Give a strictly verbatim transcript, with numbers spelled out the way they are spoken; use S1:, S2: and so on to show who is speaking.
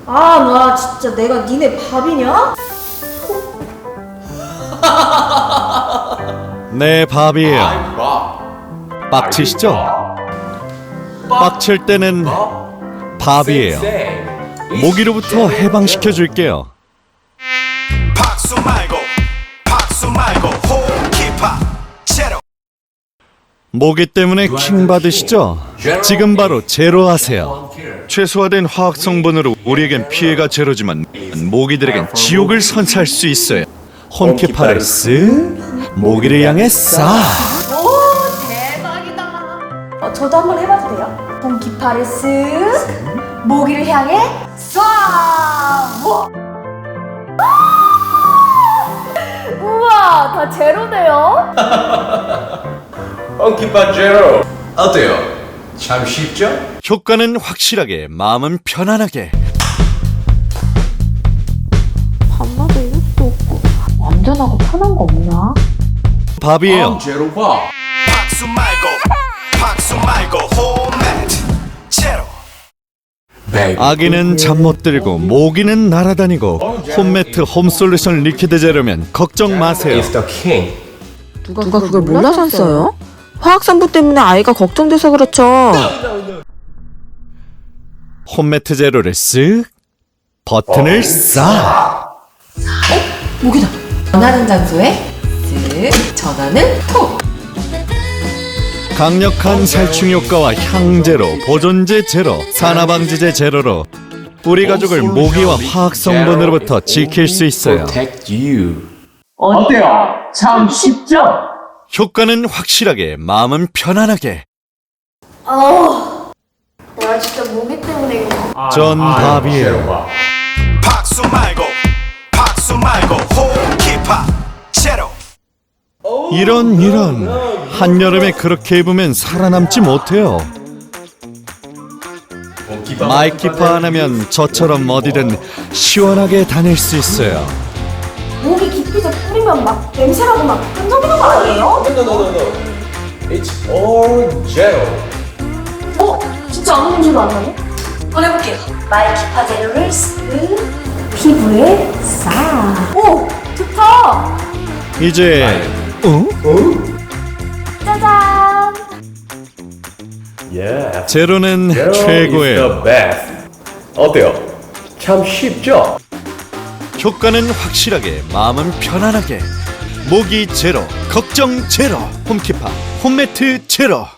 S1: 아, 나 진짜 내가 니네 밥이냐?
S2: 네, 밥이에요. 빡치시죠? 빡칠 때는 밥이에요. 모기로부터 해방시켜 줄게요.
S3: 박수 말고 박수 말고 호흡기파 제로.
S2: 모기 때문에 킹 받으시죠? 지금 바로 제로 하세요. 최소화된 화학 성분으로 우리에겐 피해가 제로지만 모기들에겐 지옥을 선사할 수 있어요. 홈키파를 쓱, 모기를 향해 싹.
S1: 오, 대박이다. 어, 저도 한번 해봐도 돼요? 홈기파를 쓱, 모기를 향해 쏴! 우와! 우와, 다 제로네요?
S4: 홈키파 제로 어때요? 참 쉽죠?
S2: 효과는 확실하게, 마음은 편안하게.
S1: 밤마다 이럴 수도 없고 완전하고 편한 거 없나?
S2: 밥이에요.
S4: 제로 밥.
S3: 박수 말고 박수 말고 홈매트 제로.
S2: 아기는 잠 못 들고 모기는 날아다니고 홈매트 홈솔루션 리퀴드 제로면 걱정 마세요.
S4: It's the king.
S5: 누가 그걸 몰라서 안 써요? 화학산부 때문에 아이가 걱정돼서 그렇죠.
S2: 홈매트 제로를 쓱, 버튼을 싹.
S6: 모기다. 원하는 장소에 쓱 전원을 톡.
S2: 강력한 살충 효과와 향 제로, 보존제 제로, 산화방지제 제로로 우리 가족을 모기와 화학 성분으로부터 지킬 수 있어요.
S4: Protect you.
S7: 어때요? 참 쉽죠?
S2: 효과는 확실하게, 마음은 편안하게.
S1: 어, 내가 진짜 모기 때문에 이거.
S2: 전 밥이에요.
S3: 박수 말고 박수 말고 호흡기파 제로.
S2: 이런 이런 한여름에 그렇게 입으면 살아남지 못해요. 마이키파 안 하면 저처럼 어디든 시원하게 다닐 수 있어요.
S1: 모기 기피제 뿌리면 막 냄새나고 막 끈적이는 거 아니에요?
S4: No, no, no, no. It's all 제로.
S1: 어? 진짜 아무 냄새도 안 나네? 한번 해볼게요. 마이키파 제로를 쓱 피부에 싹. 오! 좋다!
S2: 이제 어?
S1: 짜잔!
S4: Yeah.
S2: 제로는
S4: Zero is
S2: 최고예요.
S4: the best. 어때요? 참 쉽죠?
S2: 효과는 확실하게, 마음은 편안하게. 모기 제로, 걱정 제로. 홈키파 홈매트 제로.